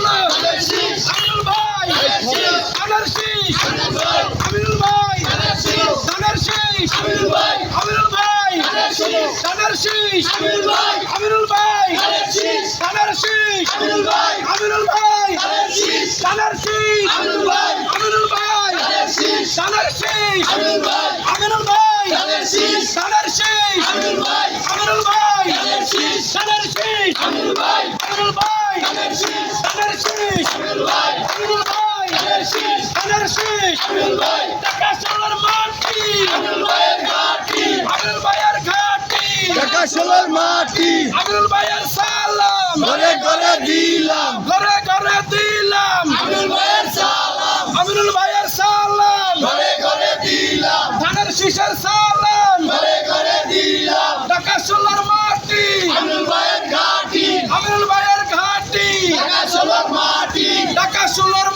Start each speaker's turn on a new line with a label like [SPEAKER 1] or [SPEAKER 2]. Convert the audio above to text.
[SPEAKER 1] ষোলো আমিনুল ভাই ধানের শীষ আমিনুল ভাই ধানের শীষ আমিনুল ভাই ধানের শীষ আমিনুল ভাই ধানের শীষ আমিনুল ভাই ধানের শীষ ধানের শীষ আমিনুল ভাই ধানের শীষ ধানের শীষ আমিনুল ভাই ধানের শীষ ধানের শীষ আমিনুল ভাই ধানের শীষ ধানের শীষ আমিনুল ভাই ধানের শীষ ধানের শীষ আমিনুল ভাই ধানের শীষ ধানের শীষ আমিনুল ভাই টাকা সোনার মাটি আমিনুল ভাইয়ের ঘাটি আমিনুল ভাইয়ের ঘাটি
[SPEAKER 2] টাকা সোনার মাটি
[SPEAKER 1] আমিনুল ভাইয়ের সালাম
[SPEAKER 2] ঘরে ঘরে দিলাম
[SPEAKER 1] ঘরে ঘরে দিলাম
[SPEAKER 2] আমিনুল ভাইয়ের সালাম
[SPEAKER 1] আমিনুল ভাইয়ের সালাম
[SPEAKER 2] ঘরে ঘরে দিলাম
[SPEAKER 1] ধানের শীষের সালাম
[SPEAKER 2] ঘরে ঘরে দিলাম
[SPEAKER 1] টাকা সোনার মাটি
[SPEAKER 2] আমিনুল ভাইয়ের ঘাটি
[SPEAKER 1] আমিনুল ভাইয়ের ঘাটি
[SPEAKER 2] টাকা সোনার মাটি
[SPEAKER 1] টাকা সোনার